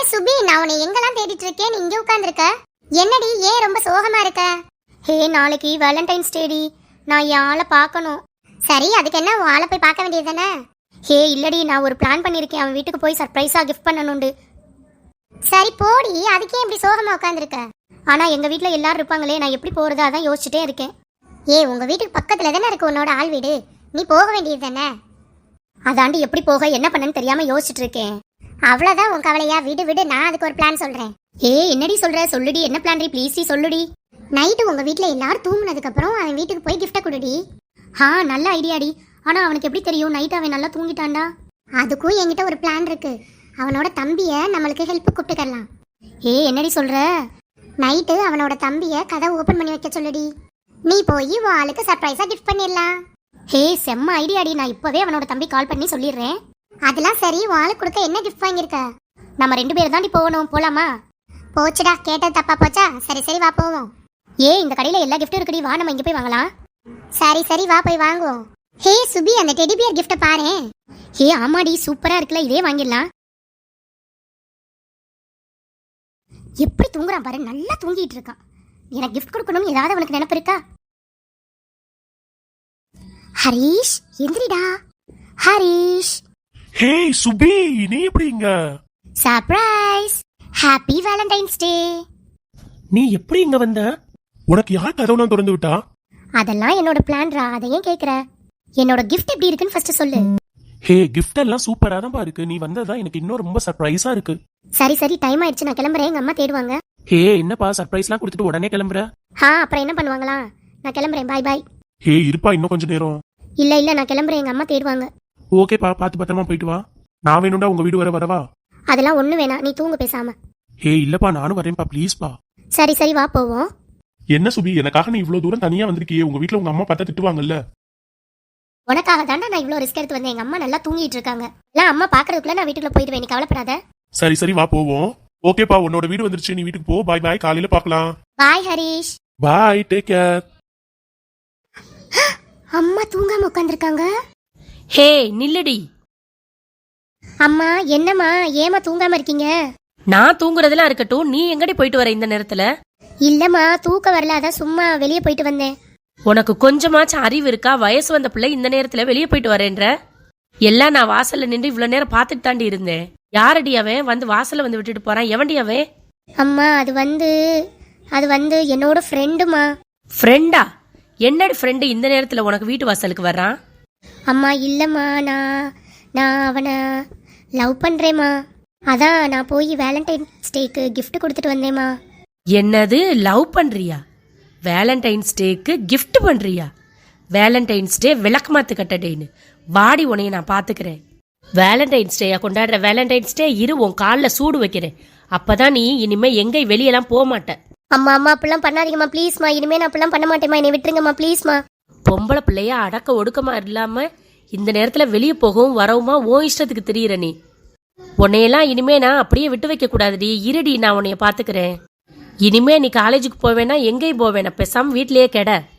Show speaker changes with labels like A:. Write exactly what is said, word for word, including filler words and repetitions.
A: சுபி, நான் உன்னை எங்கெல்லாம் தேடிட்டு இருக்கேன், நீ இங்க உட்கார்ந்திருக்க. என்னடி ஏன் ரொம்ப சோகமா இருக்க?
B: ஹே, நாளைக்கு வேலண்டைன்ஸ் டேடி, நான் என் ஆளை பார்க்கணும்.
A: சரி, அதுக்கு என்ன, உன் ஆளை போய் பார்க்க வேண்டியது தானே?
B: ஹே இல்லடி, நான் ஒரு பிளான் பண்ணியிருக்கேன், அவன் வீட்டுக்கு போய் சர்ப்ரைஸா கிஃப்ட் பண்ணணுண்டு.
A: சரி போடி, அதுக்கே இப்படி சோகமா உட்கார்ந்திருக்க?
B: ஆனா எங்க வீட்ல எல்லாரும் இருப்பாங்களே, நான் எப்படி போறது அதான் யோசிச்சுட்டே இருக்கேன்.
A: ஏ, உங்க வீட்டுக்கு பக்கத்துல தானே இருக்கு உன்னோட ஆள் வீடு, நீ போக வேண்டியது தானே?
B: அதாண்டி எப்படி போக என்ன பண்ணன்னு தெரியாம யோசிச்சுட்டு இருக்கேன்.
A: அவ்வளவுதான் உன் கவலையா? விடு விடு, நான் அதுக்கு ஒரு பிளான் சொல்றேன்.
B: ஏ என்னடி சொல்ற, சொல்லுடி, என்ன பிளான் டி, ப்ளீஸ் டி சொல்லுடி.
A: நைட்டு உங்க வீட்ல எல்லாரும் தூங்குனதுக்கு அப்புறம் அவன் வீட்டுக்கு போய் கிஃப்ட கொடுடி.
B: ஆ, நல்ல ஐடியாடி. ஆனா அவனுக்கு எப்படி தெரியும் நைட் அவன் நல்லா தூங்கிட்டான்டா?
A: அதுக்கும் என்கிட்ட ஒரு பிளான் இருக்கு. அவனோட தம்பிய நம்மளுக்கு ஹெல்ப் கூப்பிட்டுக்கலாம்.
B: ஏ என்னடி சொல்ற?
A: நைட்டு அவனோட தம்பிய கதை ஓபன் பண்ணி வைக்க சொல்லுடி. நீ போய் உன் ஆளுக்கு சர்ப்ரைஸா கிஃப்ட் பண்ணிடலாம்.
B: ஹே செம்ம ஐடியாடி, நான் இப்பவே அவனோட தம்பி கால் பண்ணி சொல்லிடுறேன்.
A: அதெல்லாம் சரி, உன் ஆளுக்கு கொடுக்க என்ன கிஃப்ட் வாங்கியிருக்க?
B: நம்ம ரெண்டு பேரும் தாண்டி போகணும், போலாமா?
A: போச்சுடா, கேட்டது தப்பா போச்சா? சரி சரி வா போவோம்.
B: ஏ இந்த கடையில எல்லா கிஃப்ட்டும் இருக்குடி, வா நம்ம இங்க போய் வாங்கலாம்.
A: சரி சரி வா போய் வாங்குவோம். ஹே சுபி, அந்த டெடி பியர் கிஃப்ட பாரு.
B: ஹே ஆமாடி, சூப்பரா இருக்குல்ல, இதே வாங்கிடலாம். எப்படி தூங்குறான் பாரு, நல்லா தூங்கிட்டு இருக்கான். எனக்கு கிஃப்ட் கொடுக்கணும் ஏதாவது அவனுக்கு நினைப்பு இருக்கா? ஹரிஷ் எந்திரிடா. ஹரிஷ்.
C: ஹே சுபி, நீ எப்படிங்க?
B: Surprise, happy Valentine's day.
C: நீ எப்படி இங்க வந்த? உனக்கு யார் கதவுலாம் திறந்து விட்டா?
B: அதெல்லாம் என்னோட பிளான்ரா, அதை ஏன் கேக்குற? என்னோட கிஃப்ட் எப்படி இருக்குன்னு ஃபர்ஸ்ட் சொல்லு.
C: ஹே, கிஃப்ட் எல்லாம் சூப்பரா தான் இருக்கு. நீ வந்ததா எனக்கு இன்னும் ரொம்ப சர்ப்ரைஸா இருக்கு.
B: சரி சரி, டைம் ஆயிடுச்சு, நான் கிளம்புறேன், எங்க அம்மா தேடுவாங்க.
C: ஹே என்னப்பா, சர்ப்ரைஸ்லாம் கொடுத்துட்டு உடனே கிளம்புற?
B: ஆ, அப்புறம் என்ன பண்ணுவாங்களா? நான் கிளம்புறேன், பாய் பாய்.
C: ஹே இருப்பா, இன்னும் கொஞ்ச நேரம்.
B: இல்ல இல்ல, நான் கிளம்புறேன், எங்க அம்மா தேடுவாங்க.
C: ஓகேப்பா, பார்த்து பத்திரமா போயிட்டு வா. நான் வேணும்டா உங்க வீடு வர வரவா?
B: அதெல்லாம் ஒண்ணு வேணாம், நீ தூங்க பேசாம.
C: ஹே இல்லப்பா, நானும் வரேன்ப்பா, ப்ளீஸ்ப்பா.
B: சரி சரி வா போவோம்.
C: என்ன சுபி, எனக்காக நீ இவ்வளவு தூரம் தனியா வந்திருக்கியே, உங்க வீட்டுல உங்க அம்மா பார்த்தா திட்டுவாங்கல்ல?
B: உனக்காக தாண்டா நான் இவ்வளவு ரிஸ்க் எடுத்து வந்தேன். எங்க அம்மா நல்லா தூங்கிட்டு இருக்காங்க. எல்லாம் அம்மா பாக்குறதுக்குள்ள நான் வீட்டுக்குள்ள போயிடுவேன், நீ கவலைப்படாத.
C: சரி சரி வா போவோம். ஓகேப்பா, உன்னோட வீடு வந்துருச்சு, நீ வீட்டுக்கு போ. பாய் பாய், காலையில பார்க்கலாம்.
B: Bye Harish.
C: Bye, take care.
B: அம்மா தூங்காம உட்கார்ந்திருக்காங்க.
D: ஹே நில்லுடி.
B: அம்மா என்னம்மா, ஏமா தூங்காம இருக்கீங்க?
D: நான் தூங்குறதெல்லாம் இருக்கட்டும், நீ எங்கடி போயிட்டு வர இந்த நேரத்துல?
B: இல்லம்மா, தூக்க வரல, அதான் சும்மா வெளியே போயிட்டு வந்தேன்.
D: உனக்கு கொஞ்சமாச்சும் அறிவு இருக்கா? வயசு வந்த பிள்ளை இந்த நேரத்துல வெளியே போயிட்டு வரேன்ற? எல்லாம் நான் வாசல்ல நின்று இவ்வளவு நேரம் பாத்துட்டு தாண்டி இருந்தேன். யாரடி அவன் வந்து வாசல்ல வந்து விட்டுட்டு போறான்? எவன்டி அவன்?
B: அம்மா அது வந்து அது வந்து என்னோட ஃப்ரெண்டுமா.
D: ஃப்ரெண்டா? என்னடி ஃப்ரெண்டு இந்த நேரத்துல உனக்கு வீட்டு வாசலுக்கு வர்றான்?
B: அம்மா இல்லம்மா, நான் நான் அவனை லவ் பண்றேம்மா. அதான் நான் போய் வேலண்டைன்ஸ் டேக்கு கிஃப்ட் கொடுத்துட்டு வந்தேம்மா.
D: என்னது, லவ் பண்றியா? வேலண்டைன்ஸ் டேக்கு கிஃப்ட் பண்றியா? வேலண்டைன்ஸ் டே விளக்கமாத்து கட்டடேன்னு வாடி, உனைய நான் பாத்துக்கிறேன். வேலண்டைன்ஸ் டேயா கொண்டாடுற? வேலண்டைன்ஸ் டே இரு, உன் காலில் சூடு வைக்கிறேன். அப்பதான் நீ இனிமே எங்க வெளியெல்லாம் போக மாட்ட.
B: அம்மா அம்மா அப்படிலாம் பண்ணாதீங்கம்மா ப்ளீஸ்மா, இனிமே நான் அப்படிலாம் பண்ண மாட்டேம்மா, என்னை விட்டுருங்கம்மா ப்ளீஸ்மா.
D: பொம்பளை பிள்ளைய அடக்க ஒடுக்கமா இல்லாம இந்த நேரத்துல வெளியே போகவும் வரவுமா ஓ இஷ்டத்துக்கு தெரியுற நீ. உன்னையெல்லாம் இனிமே நான் அப்படியே விட்டு வைக்க கூடாதுடி. இருடி, நான் உன்னைய பாத்துக்கிறேன். இனிமே நீ காலேஜுக்கு போவேனா எங்கேயும் போவேனா, பேசாம வீட்லயே கெட.